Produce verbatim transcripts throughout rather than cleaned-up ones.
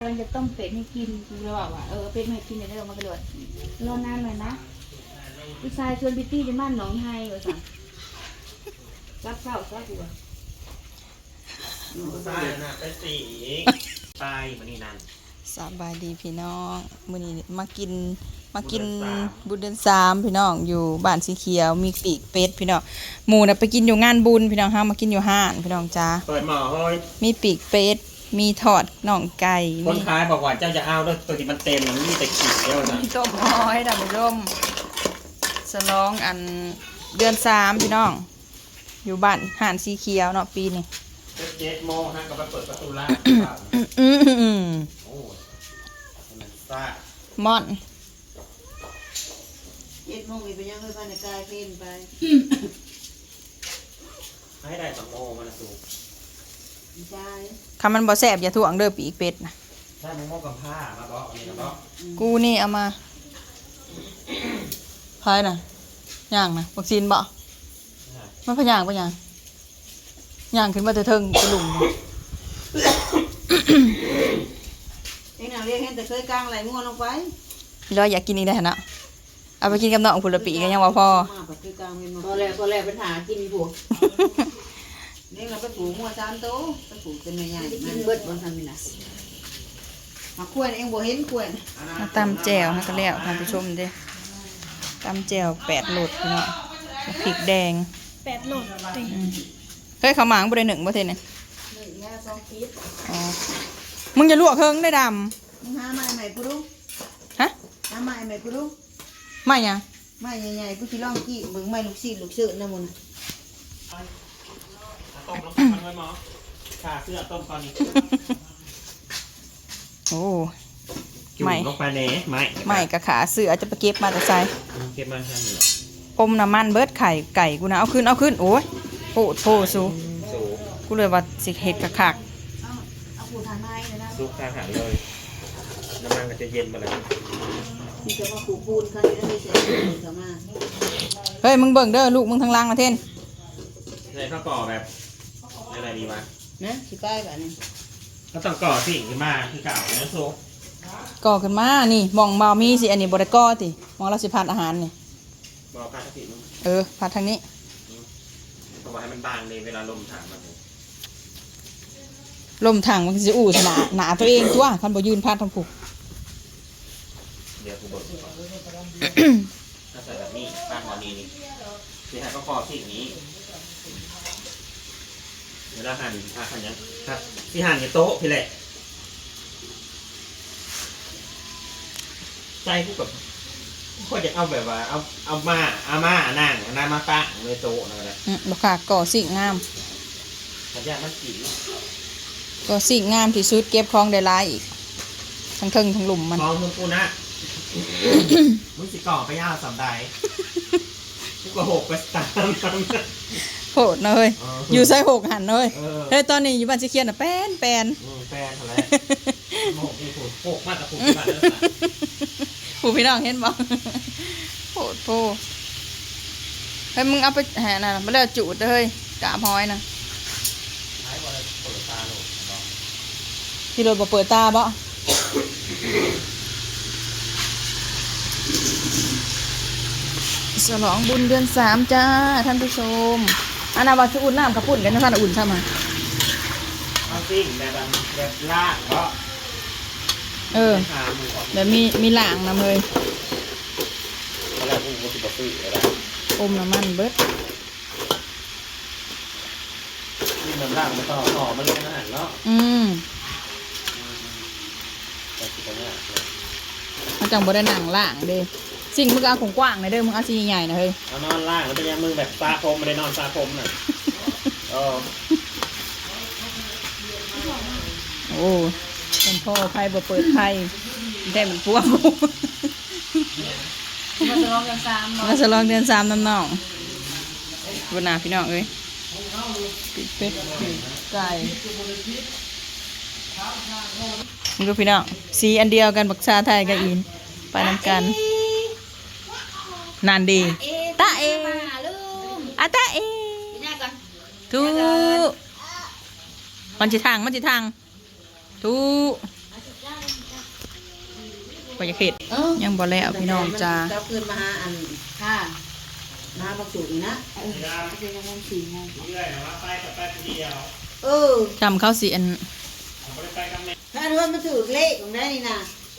เราจะต้มเป็ดให้กินเราบอกว่าเออเป็ดให้กินเดี๋ยวเรามากระโดดรอนานหน่อยนะพี่ชายชวนบิตตี้ไปบ้านหนองไฮเหรอสั่งรับเศร้าซะกูอ่ะตายนะไปสีตายมันนี่นั่นสบายดีพี่น้องมื้อนี้มากินมากินบุญเดือนสามพี่น้องอยู่บ้านสีเขียวมีปีกเป็ดพี่น้องหมูน่ะไปกินอยู่งานบุญพี่น้องเฮามากินอยู่ห้านพี่น้องจ้าเปิดหม้อเฮ้ยมีปีกเป็ดมีทอดน่องไก่คนมีขายบอกว่าเจ้าจะเอาด้วยตัวที่มันเต็มมันมีแต่ขีดเดียวนะมีต้มอ้อยดำร่มฉลองอันเดือนสามพี่น้องอยู่บ้านห้านสีเขียวเนาะปีนี้เจ็ดโมงฮะก็ไปเปิดประตูร้านอืมโอ้ยมันซ่าม่อนเจ็ดโมงอีกไปยังเอ้ยบ้านในกายเพลนไปให้ได้สองโมงมันละสูงอีชายคำมันบ่แซ่บอย่าถ่วงเด้อปีกเป็ดนะใช่มะม่วงกับผ้ามาบอกอันนี้นะบอกกูนี่เอามาพายน่ะย่างนะวัคซีนบ่มันพะย่างปะย่างย่างขึ้นมาแต่เทิงกระหลุมเอ็งน่ะเรียกเห็นแต่เคยกลางไหลงัวลงไปร้อยอยากกินอีกได้วนะเอาไปกินกับน้องผุละปีกันยังว่าพอมาแบบเคยกลางเป็นมาพอแล้วพอแล้วปัญหากินพวกเอ็งเราไปผูกงัวสามโตไปผูกเป็นแม่ใหญ่ไม่ได้กินเบิดบนทำนี่นะมาขวนเอ็งบ่เห็นขวนมาตำแจ่วให้กันแล้วท่านผู้ชมเด้ตำแจ่วแปดโหลดพี่น้องพริกแดงแปดโหลดติอืมเฮ้ยเขาวหมางบ่ได้หนึ่งบ่เท่เนี่ยหนึ่งแง่สองฟีตอ๋อมึงจะลวกเคิงได้ดมึงหาไม้ใหม่กูรู้ำฮะหาไม้ใหม่กูรู้ไม่ยังไม้ใหญ่ๆกูสิลองกี้มึงไม้ลูกศิษย์ลูกเสือนะมึงต้มลงไปมันไว้หมอขาเสื้อต้มตอนนี้โอ้จุ่มไม่ลงไปเน่ไม่ไม่กะขาเสือจะไปเก็บมาแต่ใส่เก็บมาแค่นี้อมน้ำมันเบิดไข่ไก่กูนะเอาขึ้นเอาขึ้นโอ้ยโปดโพสูสูกูเลยว่าสิเห็ดกะคักเอาเอาผูกทางไม้เลยนะซุกข้างหันเลยน้ำมันก็จะเย็นมาเลยนี่จะมาผูกปูนคันนี้ได้เสร็จเข้ามาเฮ้ยมึงเบิ่งเด้อลูกมึงทางล่างมาเท่นในข้าวก่อแบบอะไรดีวะนะสิป้ายแบบนี้ก็ต้องก่อสิ่งขึ้นมาคือเก่าเนื้อซุกก่อขึ้นมานี่มองเบามีสิอันนี้บริก่อติมองเราสิพัดอาหารนี่บอกพาสิมึงเออพัดทางนี้เพราะว่าให้มันบางเลยเวลาลมถามมันลมถังมันสิอู้หนาหนาตัวเองตัวคันบ่ยืนพัดทางผูกเดี๋ยวกูบอกก่อนถ้าใส่แบบนี้ตั้งหัวนี้นี่ที่ให้ก็คอสิ่งนี้เวลาหั่นอ่ะหั่นยังครับที่หั่นในโต๊ะพี่แหละใจกูกับก็จะเอาแบบว่าเอาเอามาเอามานั่งเอาน้ามาตั้งในโต๊ะนั่นแหละอืมบ่ค่ะก่อสิ่งงามขยันมันกี่ก่อสิ่งงามที่สุดเก็บของได้หลายอีกทั้งเทิงทั้งหลุมมันมองมึงกูนะ มึงสิก่อไปย่าสำได้กูก็หกไปตามตามโหดเนอะเฮ้ยเออออยู่ใส่หกหันเนอะเฮ้ยเออเฮ้ยตอนนี้อยู่บ้านสิเขียนน่ะแป้นแป้นอืมแฟนอะไรโมกนี่ผูกโปกมาแต่ผูกมาแล้วผู้พี่น้องเห็นบ่โหดโพเฮ้ยมึงเอาไปแห่น่ะบ่แล้วจูดเด้อเฮ้ยกาบหอยน่ะใช้วันเปิดตาลูกบอกที่รถบ่เปิดตาบ่ฉลองบุญเดือนสามจ้าท่านผู้ชมอันน่ะว่าสิอุ่นน้ำกระปุ่นกันนะท่านอุ่นซะมาเอาสิ่งแบบแบบลากเพราะเออขาหมูออกเดี๋ยวมีมีหลางนำเลยตอนแรกกูก็สิบปีอะไรอมน้ำมันเบิดนี่มันล่างมันต่อต่อมันลงอาหารเนาะอืมแต่สิบเนี่ยมันจังบ่ได้หนังล่างเด้สิ่งมึงเอาของกว้างหน่อยเด้อมึงเอาสีใหญ่ๆนะเฮ้ยเอานอนล่างแล้วเป็นยังมึงแบบซาคมไม่ได้นอนซาคมน่ะเออโอ้เป็นพ่อไพ่บ่เปิดไพ่ได้เหมือนพวกมาจะลองกันซ้ำเนาะมาฉลองเดือนสามน้ำน้องบนหน้าพี่น้องเอ้ยปิดเป็ดปิดไก่มึงดูพี่น้องสีอันเดียวกันบักชาไทยกับอินไปนำกันนานดีตาเอมาหาลุงอะตาเอไปหน้าก่อนทูมันจิทางมันจิทางทูมาสุดยอดก็จะเข็ดเออยังบ่แล้วพี่น้องจ้าเจ้าคืนมาหาอันค่ะมาบักสูนี่นะเออจะยังงงสี่โมงเออจำเข้าสิอันถ้าเรื่องมันถือเลขของได้นี่นะ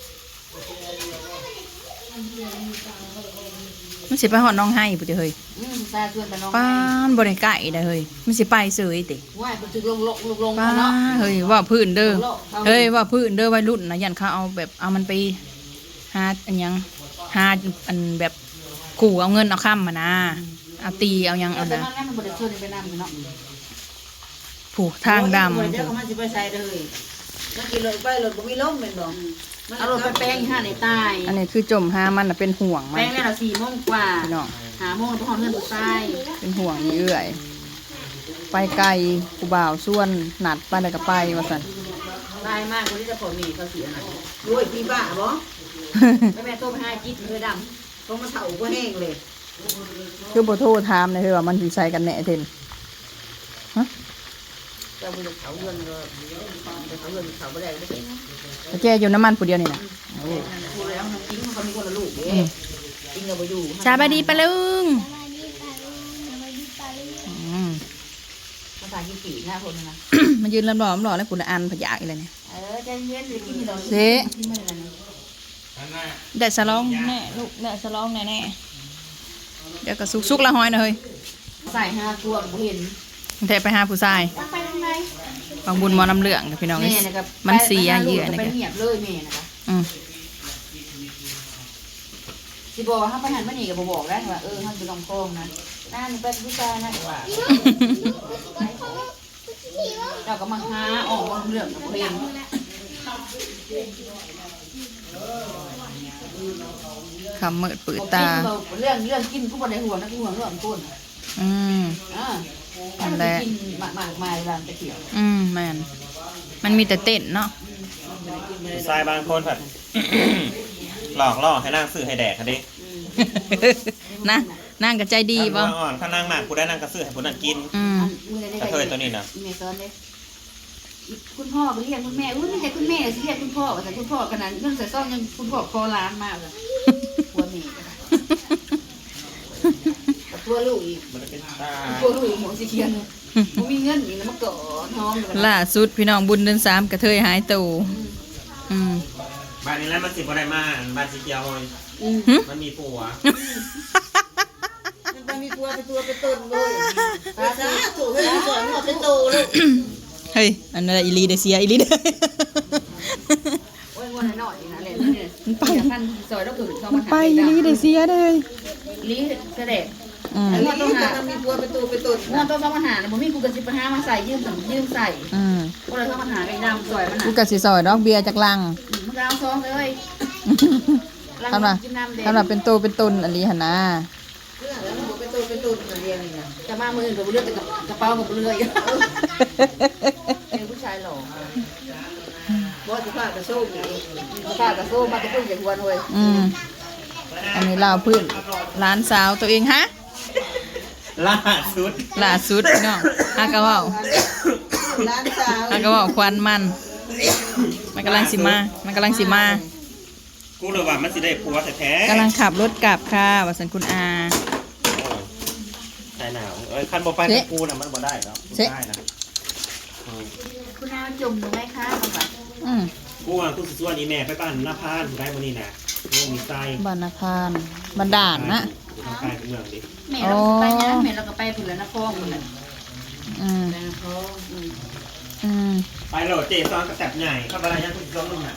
มันสิไปฮอดน้องให้พุ่นติเฮ้ยอืมตาชวนไปน้องป้านบ่ได้ใกล้ได้เฮ้ยมันสิไปเสยติว่าไปถึงลงลงลงลงป้าเนาะเฮ้ยว่าพื้นเด้อเฮ้ยว่าพื้นเด้อวัยรุ่นนะยันเขาเอาแบบเอามันไปหาอันหยังหาอันแบบขู่เอาเงินเอาค้ำมานะเอาตีเอาหยังเอาแต่นะมันนั่นมันบริสุทธิ์ไปนำเนาะผูกทางดเดี๋ยวเขามาสิไปใส่เลยมันกินรถไปรถบ่มีลมแม่นบ่เอารถไปแป้งห้าในใต้ำอันนี้คือจมหามันน่ะเป็นห่วงมันแป้งเนี่ยเราสี่โมงกว่าพี่น้องหาโมงเราไปห้องเงินตัวใต้เป็นห่วงนี่เอื่อยไปไกลกูบ่าวส่วนหนัดไปแล้วก็ไปว่าซั่นตายมากคนที่จะผลมีเขาเสียหน่อยโอ้ยพี่บ้าบ่แล้วแม่โทรไปให้จิ๊ดเพื่อดต้องมาเฒ่าบ่แห้งเลยคือบ่โทรถามเลยเฮ้ยว่ามันสิใส่กันแหน่เทนฮะำเจ้าบุญเขาเงินก็เขาเงินเขาไม่ได้ไม่ได้นะแต่แกอยู่น้ำมันผู้เดียวนี่น่ะโอ้พูดแล้วน้องกิ้งเขามีคนละลูกเด้อืมกิ้งเราไปอยู่สบายดีปะลุงอืมภาษาญี่ปุ่นหน้าคนนะมายืนลำหล่อลำหล่อแล้วกูละอันพะยากอีอะไรเนี่ยเออใจเย็นเลยกินที่เราเซ่ที่มันอะไรนะได้สลองแน่ลูกได้สลองแน่แน่เดี๋ยวก็สุกสุกละห้อยนะเฮ้ยใส่ห้าตัวผมเห็นแทไปหาผู้ชายไปทางไหนบางบุญหมอน้ำเหลืองกับพี่น้องแม่นะครับมันเสียเยื่อนะนะไปแกเหียบเลยแม่นะคะอืมสิบอกว่าถ้าไปหันมาหนีกับบอกได้ว่าเออท่านไปลองโค้งนะน่าหนูเป็นผู้ชายนะว่าเราก็มาหาออกมาเรื่องกับเพลงคำเมิดปืดตาเรื่องเรื่องกินกูบ่ได้ห่วงนะกูห่วงเรื่องก้นอืมอ่านั่นแหละกินหมากหมากมาเวลาไปเที่ยวอืมแมนมันมีแต่เต้นเนาะทรายบางคนผัด หลอกล่อให้นั่งซื้อให้แดกค่ะดินะนั่งกับใจดีป่ะอ่อนข้านั่งมากกูได้นั่งกระซื้อให้ผู้นั่งกินอืมกระเทยตัวนี้นะอีเมซอนเด้คุณพ่อไปเรียกคุณแม่อุ้ยไม่ใช่คุณแม่สิเรียกคุณพ่อแต่คุณพ่อขนาดเรื่องใส่ซ่อมยังคุณพ่อคอล้านมากเลยหัวแม่กับตัวลูกอีกมันจะเป็นตาตัวลูกอีกหัวสีเขียวเลยกูมีเงินอีกแล้วมาเกาะน้องเลยล่าสุดพี่น้องบุญเดือนสามกระเทยหายตูอืมบ้านนี้แล้วมันสิบอะไรมาบ้านสีเขียวเลยอืมหึมันมีผัวมันไปมีตัวไปตัวไปต้นเลยตาจ้าถูกให้สอนหัวเป็นโตเลยเฮ้ยอันนั้นอีลีเดเซียอีลีเดโอ้ยวันหน่อยนะเลยเนี่ยท่านซอยแล้วคือเข้ามัมาน หาไปอีลีเดเซียเลยลีกระเด็ดอืมอันนี้ต้องมีตัวไปตัวไปต้นเงินต้องเข้ามาหาเนี่ยผมมีกูกระสิบห้ามาใส่ยืมสั่งยืมใส่อืมก็เลยเข้ามาหาไอ้ดำซอยมันกูหากะสิซอยดอกเบียร์จากลังมันเอาซองเลยทำไรกินน้ำเด็กทำไรเป็นโตเป็นตนอันนี้หันนะเรื่องแล้วมันไปตัวไปต้นมาเรียนนี่นะจะมามือกับเลือดแต่กับกระเป๋ากับเลือดเป็นผู้ชายหล่อบ่จะพากระโชกนี่ข้ากระโซ่มาตะกุ่นจากหัวหน่วยอืมอันนี้ลาวพื้นร้านสาวตัวเองฮะล่าสุดล่าสุดพี่น้องฮากะเว่าร้านสาวฮากะเว่าควันมัน มันกำลังสิมา มันกำลังสิมากูเลยว่ามันสิได้ผัวแท้ๆกำลังขับรถกลับค่ะวัสันคุณอาใช่หนาวเอ้ยคันบ่ไปกับกูน่ะมันบ่ได้แล้วได้นะคุณอาจุ่มหนูไหมคะมาแบบอืมกูว่ากูสิส่วนอีแม่ไปบ้านหน้าพานได้มื้อนี้น่ะกูมีไส้บรรณพานบันดาลนะกูทางใต้เมืองดิแม่เราไปนะแม่เราก็ไปผุนแล้วนะฟองผุนแล้วอืมไปนะฟองอืมไปโหลดเจซอนกระแตบใหญ่เข้าไปแล้วยังกูสิส่งมึงหนา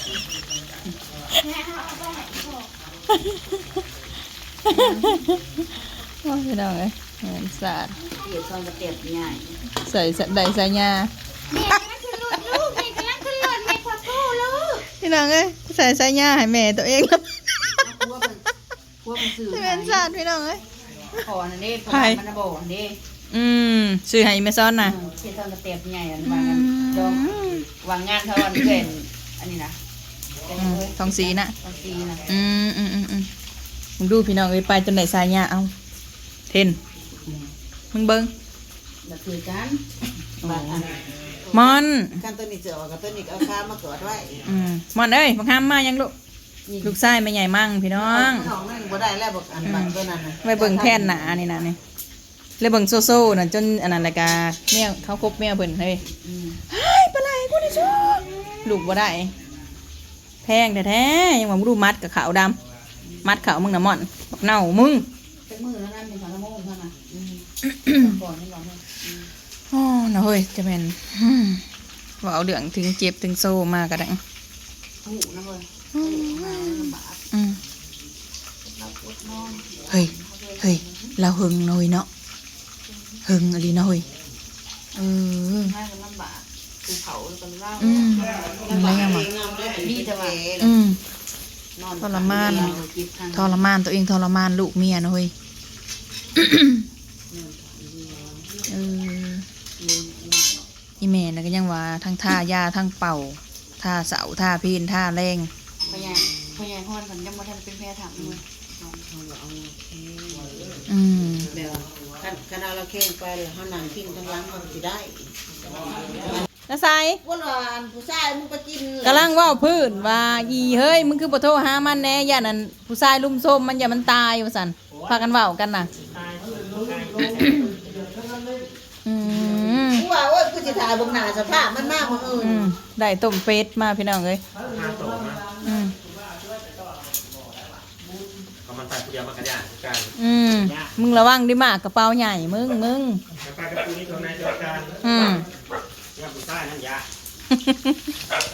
ว่าพี่น้องเอ้ยเหมือนสาดเกี่ยวซองกระเตียบใหญ่ใส่ใส่ใส่ยาแม่กำลังขึ้นรถลูกแม่กำลังขึ้นรถแม่ขอโทษลูกพี่น้องเอ้ยใส่ใส่ยาให้แม่ตัวเองแล้วพวกมันพวกมันสื่อเหมือนสาดพี่น้องเอ้ยขอนะเด้ขอมันนะบอกเด้อืมซื้อให้แม่ซ้อนน่ะเกี่ยวซองกระเตียบใหญ่อันวางดองวางงานเท่าวันเพื่อนอันนี้นะอืมทองสีน่ะทองสีนะอืมอืมอืมอืมมึงดูพี่น้องเอ้ยไปจนไหนสายยาเอาเทนมึงเบิ้งแบบคือกันบางอันมอนกันตัวนี้เจอกับตัวนี้เอาค้ามากอดไว้อืมมอนเอ้ยบังคับมายังลูกลูกชายแม่ใหญ่มั่งพี่น้องน้องนั่นบ่ได้แล้วบอกอันบันตัวนั้นน่ะไปเบิ่งแท่นหนานี่นะนี่เลยเบิ่งโซโซ่น่ะจนอันนั้นรายการแมวเขาคบแมวเพิ่นเฮ้ยอืมเฮ้ยปลาไหลกูได้ชูลูกบ่ได้แพงแท้ๆยังว่าบ่รู้มัดกับขาวดำมัดขาวมึงน่ะม่อนบักเน่ามึงเป็นมือแล้วนั่นเป็นสารโมงเท่านั้นอืมก่อนนี่ก่อนเนี่ยอ๋อนะเฮ้ยจะเป็นอืมว่าเอาเรื่องถึงเจ็บถึงโซ่มากก็ได้หูนะเว้ยมาลำบากอืมเราปวดนอนเฮ้ยเฮ้ยเราหึงหน่อยเนาะหึงอะไรเนาะเฮ้ยเออแม่ก็ลำบากกูเผาตอนเล่าอืมอะไรยังวะดีแต่ว่าอืมนอนทรมานจิบทางทรมานตัวเองทรมานลูกเมียนะเฮ้ยเอออีแม่น่ะก็ยังว่าทั้งท่ายาทั้งเป่าท่าเสาท่าพีนท่าแรงพยายพยายฮอนสันยังมาทันเป็นแพรถังเลยอืมเดี๋ยวคันคันเอาเราแข่งไปแล้วเฮานั่งพิงทั้งหลังมันสิได้น้าใสว่าว่าอันผู้ชายมึงไปกินกำลังเว่าพื้นว่าอีเฮ้ยมึงคือบ่โทรหามันแน่ย่านั่นผู้ชายลุมโซมมันอย่ามันตายว่าซั่นพากันเว้ากันน่ะอืมกูว่าโอ้ยกูสิถ่ายเบิ่งหน้าสภาพมันมากมื้ออื่นอืมได้ต้มเป็ดมาพี่น้องเอ้ยห้าโตมาอืมก็มันตายผู้เดียวมันกระย่างทุกการอืมมึงระวังดิมากกระเป๋าใหญ่มึงมึงแล้วไปกับกูนี่ตัวไหนตัวการอืมย่าผู้ใต้นั่นยา